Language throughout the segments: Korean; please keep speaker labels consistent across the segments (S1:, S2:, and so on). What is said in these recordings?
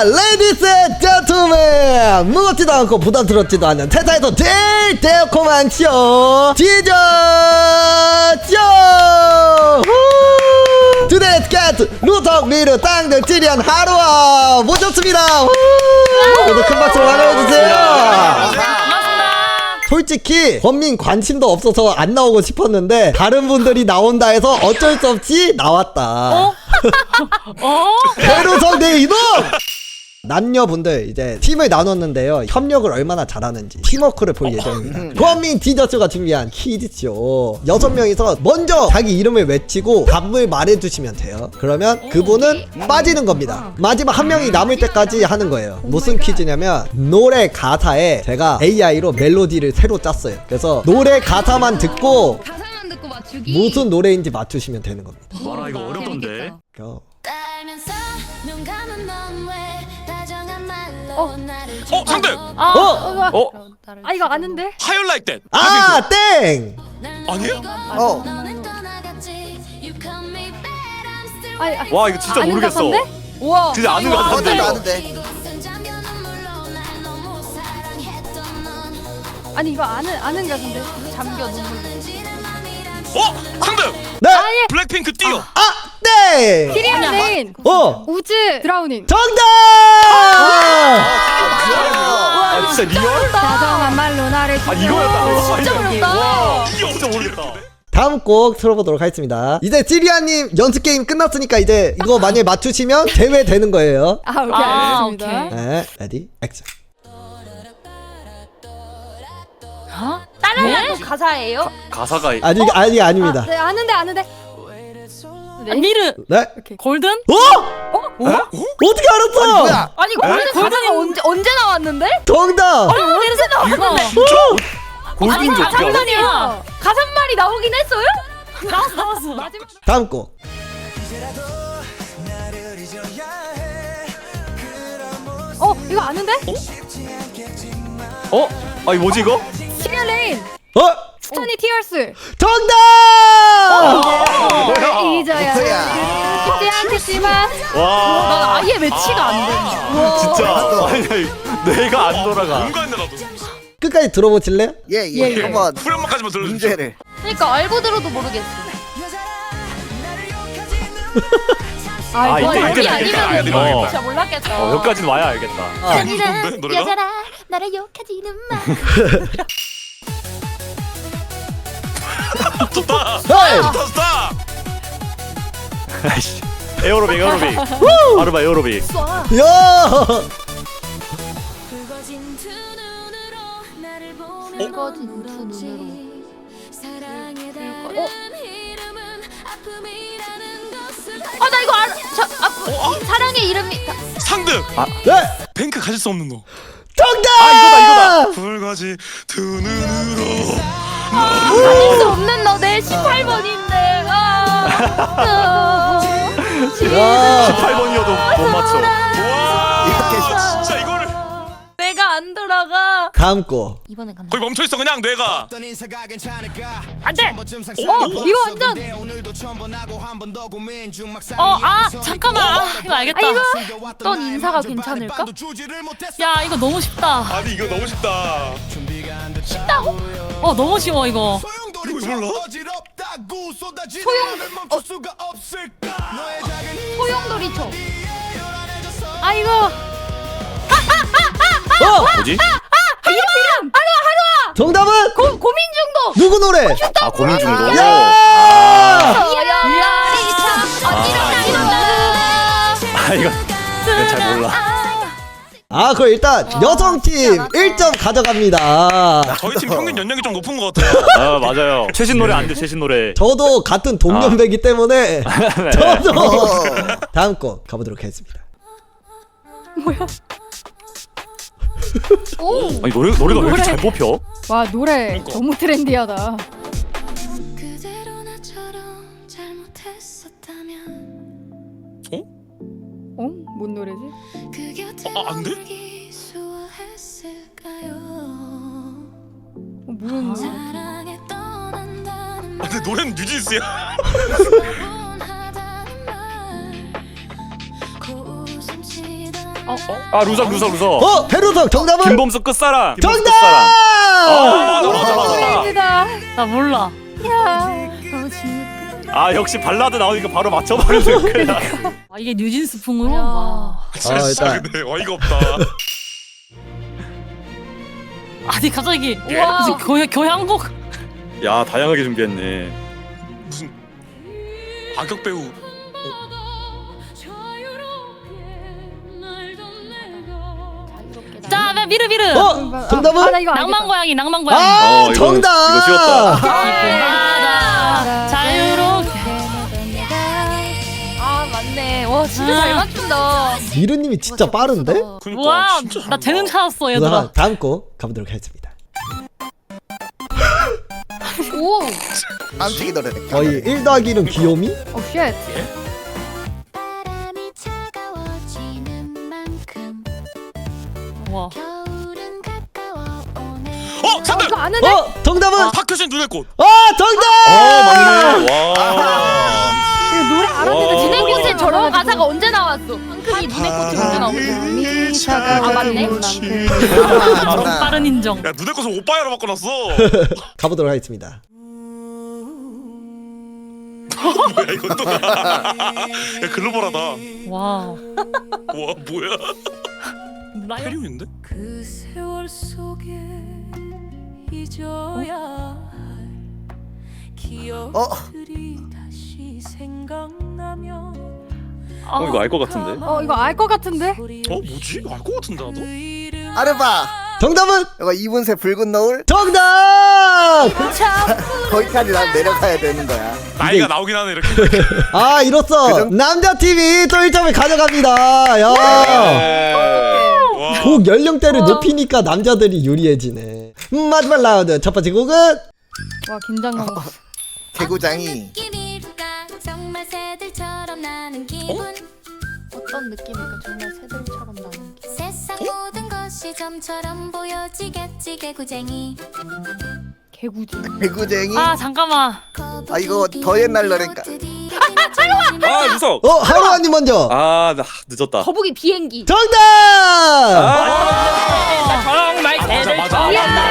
S1: 레이디스 앤 젠틀맨, 무겁지도 않고 부담스럽지도 않은 세상에서 제일 달콤한 쇼 디저쇼. Today's guest 루턱 미르 땅들 찌리한 하루아 모셨습니다. 모두 큰 박수로 환영해주세요. 솔직히 권민 관심도 없어서 안 나오고 싶었는데 다른 분들이 나온다 해서 어쩔 수 없이 나왔다. 배로성 내 이놈! 남녀분들 이제 팀을 나눴는데요, 협력을 얼마나 잘하는지 팀워크를 볼 예정입니다. 권민 디저스가 준비한 퀴즈쇼 6명이서 먼저 자기 이름을 외치고 답을 말해주시면 돼요. 그러면 그분은 빠지는 겁니다. 마지막 한 명이 남을 때까지 하는 거예요. 무슨 퀴즈냐면 노래 가사에 제가 AI로 멜로디를 새로 짰어요. 그래서 노래 가사만 듣고
S2: 맞추기.
S1: 무슨 노래인지 맞추시면 되는 겁니다.
S3: 와라 이거 어렵던데.
S2: 상대.
S4: 아 이거 아는데?
S3: 하이어 라이크 댄.
S1: 아, 땡!
S3: 아니에요?
S4: 와
S3: 이거 진짜 모르겠어.
S4: 우와.
S3: 진짜 아는 거 같은데 이거.
S4: 아니 이거 아는 가수인데. 잠겨 눈물.
S3: 상대.
S1: 네!
S3: 블랙핑크 뛰어.
S1: 아, 땡!
S4: 키리안 레인. 우즈 드라우닝.
S1: 정답!
S3: 진짜 리얼?
S4: 다정한 말로 나를
S3: 이거였다.
S4: 진짜 어렵다.
S3: 와, 이게 진짜 모르겠다.
S1: 다음 곡 틀어보도록 하겠습니다. 이제 찌리아님 연습게임 끝났으니까 이제 이거 만약에 맞추시면 제외되는 거예요.
S4: 오케이 알겠습니다.
S1: 네, 레디, 액션.
S4: 다른 거 가사예요?
S3: 가사가
S1: 아니, 아닙니다.
S4: 네 아는데.
S2: 미르.
S1: 네?
S2: 골든?
S1: 어떻게 알았어?
S4: 아니 골든이 언제 나왔는데?
S1: 정답!
S4: 언제 나왔는데?
S3: 골든지 어떻게 알아?
S4: 아니야. 가사말이 나오긴 했어요?
S2: 나왔어.
S1: 다음 곡.
S4: 이거 아는데?
S3: 아니 뭐지 이거?
S4: 키리안 레인. 스토니 티어스.
S1: 정답!
S4: 잊어야 쉽지 않겠지만
S3: 와.
S4: 난 아예 매치가 안 돼.
S3: 진짜. 아니 내가 안 돌아가. 뭔가 했나 나도.
S1: 끝까지 들어보실래요?
S5: 예. 한번
S3: 후렴만까지만 들려주세요.
S5: 문제를.
S4: 그러니까 알고 들어도 모르겠어.
S3: 이때
S4: 아니면 진짜 몰랐겠다.
S3: 여기까지는 와야 알겠다.
S4: 아니라
S3: 노래가?
S4: 여자라 나를 욕하지는 마.
S3: 좋다.
S1: 헤이!
S3: 좋다. 아이씨. 에어로빅. 아르바 에어로빅.
S1: 야!
S4: 붉어진 두 눈으로 나 이거 알아. 사랑의 이름이
S3: 상득.
S1: 네!
S3: 뱅크 가질 수 없는 너.
S1: 정답!
S3: 이거다. 붉어지 두 눈으로.
S4: 가질 수 없는 너 내 18번인데.
S3: 18번이어도 못 맞춰. 와.
S5: 이렇게
S3: 진짜 이거를.
S4: 내가 안 돌아가.
S1: 다음 곡.
S4: 이번에 간다.
S3: 거기 멈춰 있어 그냥 뇌가.
S2: 안돼.
S4: 이거 완전.
S2: 잠깐만. 이거 알겠다.
S4: 어떤 인사가 괜찮을까?
S2: 야 이거 너무 쉽다.
S3: 아니 이거 너무 쉽다.
S4: 쉽다고?
S2: 너무 쉬워 이거.
S3: 이거 몰라?
S4: 소용돌이초.
S2: 이거.
S3: 뭐지?
S4: 이름. 하루아.
S1: 정답은?
S4: 고민중도.
S1: 누구 노래?
S3: 고민중도.
S1: 야!
S3: 이거 잘 몰라.
S1: 그럼 일단 여성팀 1점 가져갑니다.
S3: 저희 팀 평균 연령이 좀 높은 것 같아요. 맞아요. 최신 노래 안 돼. 최신 노래.
S1: 저도 같은 동년배기 때문에 저도 다음 곡 가보도록 하겠습니다.
S3: 아니 노래가 왜 이렇게 잘 뽑혀?
S4: 와 노래 너무 트렌디하다. 뭔 노래지?
S3: 안 돼?
S4: 모르는 거.
S3: 근데 노래는 뉴진스야. 아 루석.
S1: 배루석 정답은?
S3: 김범수 끝사랑.
S1: 정답!
S3: 맞아.
S2: 나 몰라.
S3: 아 역시 발라드 나오니까 바로 맞춰버리는 거야.
S2: 아 이게 뉴진스 풍으로. 와.
S1: 일단.
S3: 진짜 근데 어이가 없다.
S2: 아니 갑자기
S4: 와.
S2: 무슨 교향곡.
S3: 야 다양하게 준비했네.
S5: 무슨 악역 배우
S2: 자, 나 미르.
S1: 정답은?
S4: 나 이거
S2: 낭만 고양이.
S1: 아,
S3: 이거
S1: 정답!
S3: 쉬웠다.
S2: 바다 자유롭게.
S4: 아 맞네. 와 진짜 잘 맞춘다.
S1: 미르님이 진짜 빠른데?
S5: 그러니까
S2: 와,
S5: 진짜
S2: 나 재능 찾았어
S1: 그럼
S2: 얘들아.
S1: 다음 거 가보도록 하겠습니다.
S4: 오.
S6: 깜찍이 노래.
S1: 거의 1 더하기 1은 귀요미?
S4: 오 쉣.
S7: 바람이 차가워지는 만큼
S2: 와.
S7: 겨울은 가까워 오네.
S5: 정답!
S4: 이거 아는데?
S1: 정답은?
S5: 박효신 눈의 꽃.
S1: 정답!
S3: 맞네. 와.
S4: 이거 노래 알았는데
S3: 와.
S4: 눈의 꽃에 저런 가사가 언제 나왔어? 한큼이 눈의 꽃이 언제 나왔어? 아 맞네.
S2: 빠른 인정.
S5: 야 눈의 꽃을 오빠야로 바꿔놨어.
S1: 가보도록 하겠습니다.
S5: 뭐야 이것도. 야 글로벌하다.
S2: 와.
S5: 와 뭐야?
S2: 라이언.
S5: 페리온인데?
S8: 그 세월 속에 잊어야 할 기억들이 다시 생각나면
S3: 이거 알 것 같은데.
S4: 이거 알 것 같은데?
S5: 뭐지? 알 것 같은데 나도?
S6: 아르바.
S1: 정답은?
S6: 이거 이분새 붉은 노을.
S1: 정답!
S6: 거기까지 난 내려가야 되는 거야.
S5: 나이가 나오긴 하네 이렇게.
S1: 이로써 남자팀이 또 1점을 가져갑니다. 야.
S5: 와.
S1: 곡 연령대를 높이니까 남자들이 유리해지네. 마지막 라운드 첫 번째 곡은?
S4: 와 긴장감.
S6: 개구장이.
S7: 느낌일까 정말 새들처럼 나는 기분.
S4: 어떤 느낌일까 정말 새들처럼 나는 게.
S7: 세상 모든 것이 점처럼 보여지겠지 개구쟁이.
S6: 개구쟁이.
S2: 잠깐만.
S6: 아, 이거 더 옛날 노래니까.
S3: 아 루석.
S1: 하루아님 먼저.
S3: 나 늦었다.
S4: 거북이 비행기.
S1: 정답!
S2: 정말
S5: 맞아.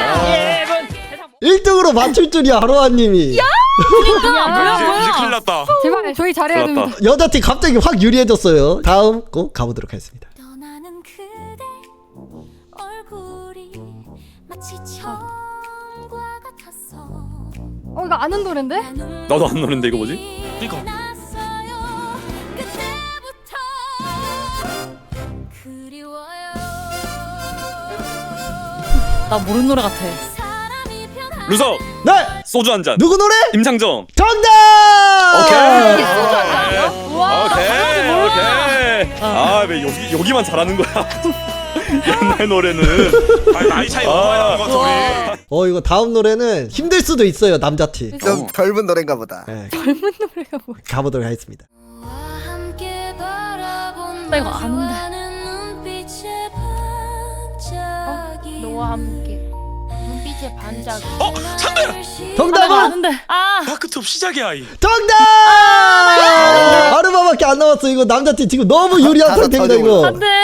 S1: 1등으로 맞출 줄이야 하루아님이.
S5: 이제 큰일 났다.
S4: 제발 저희 잘해야
S3: 큰일 났다.
S4: 됩니다.
S1: 여자팀 갑자기 확 유리해졌어요. 다음 곡 가보도록 하겠습니다.
S7: 떠나는 그대 얼굴이 마치 처음과 같았어.
S4: 이거 아는 노랜데?
S3: 나도 안 노는데 이거 뭐지?
S5: 이거.
S7: 났어요. 그때부터 그리워요.
S2: 나 모르는 노래 같아.
S7: 사람이 변한
S3: 루석.
S1: 네!
S3: 소주 한 잔.
S1: 누구 노래?
S3: 임창정.
S1: 정답!
S3: 오케이.
S4: 와.
S3: 오케이. 왜 여기만 잘하는 거야? 옛날 노래는.
S5: 아니 나이 차이 너무 많이 나는 것 같아 우리.
S1: 이거 다음 노래는 힘들 수도 있어요 남자팀.
S6: 좀 젊은 노래인가 보다.
S1: 네,
S4: 젊은 노래가 뭐야?
S1: 가보도록 하겠습니다.
S7: 함께 바라본
S2: 나 이거 아는데.
S7: 너와는 눈빛의 반짝이.
S4: 너와 함께 눈빛의 반짝.
S5: 찬들.
S1: 정답은?
S2: 아는데.
S5: 다크톱 시작의 아이.
S1: 정답! 아르바밖에 안 남았어. 이거 남자팀 지금 너무 유리한
S6: 다섯
S1: 상태입니다
S6: 터져
S1: 이거.
S6: 올라.
S2: 안돼.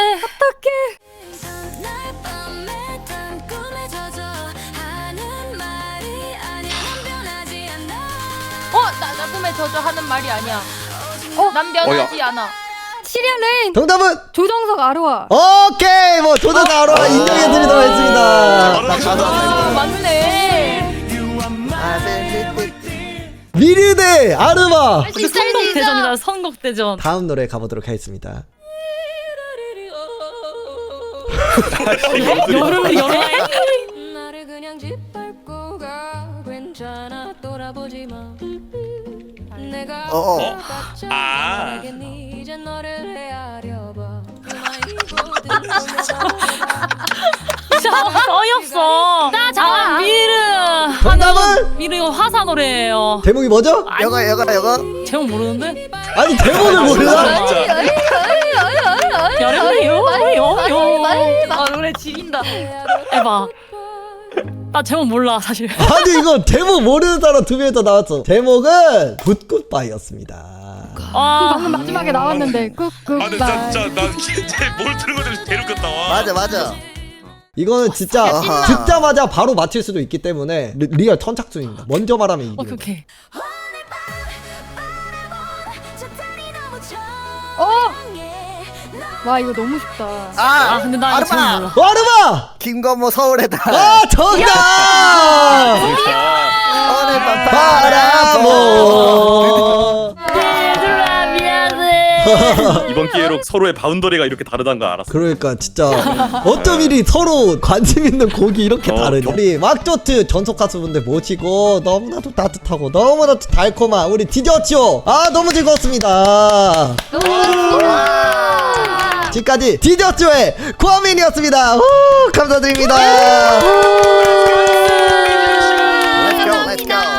S7: 날 밤에 단 꿈에 젖어 하는 말이 아니야 변하지 않아.
S4: 나 꿈에 젖어 하는 말이 아니야. 난 변하지 않아. 시리얼 레인.
S1: 정답은?
S4: 조정석 아로아.
S1: 오케이 뭐 조던 아로아 인정해드리도록 하겠습니다.
S4: 맞네.
S1: 미르대 아르바.
S2: 선곡대전이다. 선곡대전.
S1: 다음 노래 가보도록 하겠습니다.
S2: 여름에.
S8: 나를 그냥 짓밟고 가 괜찮아 돌아보지 마. 내가 닿지 않겠니 이제 너를 헤아려봐.
S2: 진짜 어이없어. 나 미르.
S1: 정답은?
S2: 미르 이거 화사 노래예요.
S1: 제목이 뭐죠?
S6: 여가.
S2: 제목 모르는데?
S1: 아니 제목을 몰라?
S2: 여름에요. 노래 지린다. 해봐. 나 제목 몰라 사실.
S1: 아니 이거 제목 모르는 사람 두 명이 더 나왔어. 제목은 굿굿바이였습니다.
S2: 아,
S4: 마지막에 나왔는데
S5: 아 근데 진짜 나 진짜 뭘 들은 것들 대륙겠다 와.
S6: 맞아 맞아.
S1: 이거는 진짜
S6: 아하.
S1: 듣자마자 바로 맞힐 수도 있기 때문에 리얼 선착순입니다. 먼저 말하면 이기는 거야.
S2: 오케이.
S4: 와 이거 너무 쉽다.
S2: 아, 근데 나 이거 제목
S6: 아르마.
S2: 몰라.
S1: 와르마!
S6: 김건모 서울에다.
S1: 아 정답!
S6: 오늘 밤
S1: 바라보.
S2: 얘들아 미안해.
S3: 이번 기회로 서로의 바운더리가 이렇게 다르다는 걸 알았어.
S1: 그러니까 진짜 어쩜 이리 서로 관심 있는 곡이 이렇게 다르냐. 우리 왁조트 전속 가수분들 모시고 너무나도 따뜻하고 너무나도 달콤한 우리 디저쇼 아 너무 즐거웠습니다. 지금까지 디저쇼의 고아민이었습니다. 후, 감사드립니다.
S6: Let's go, let's go.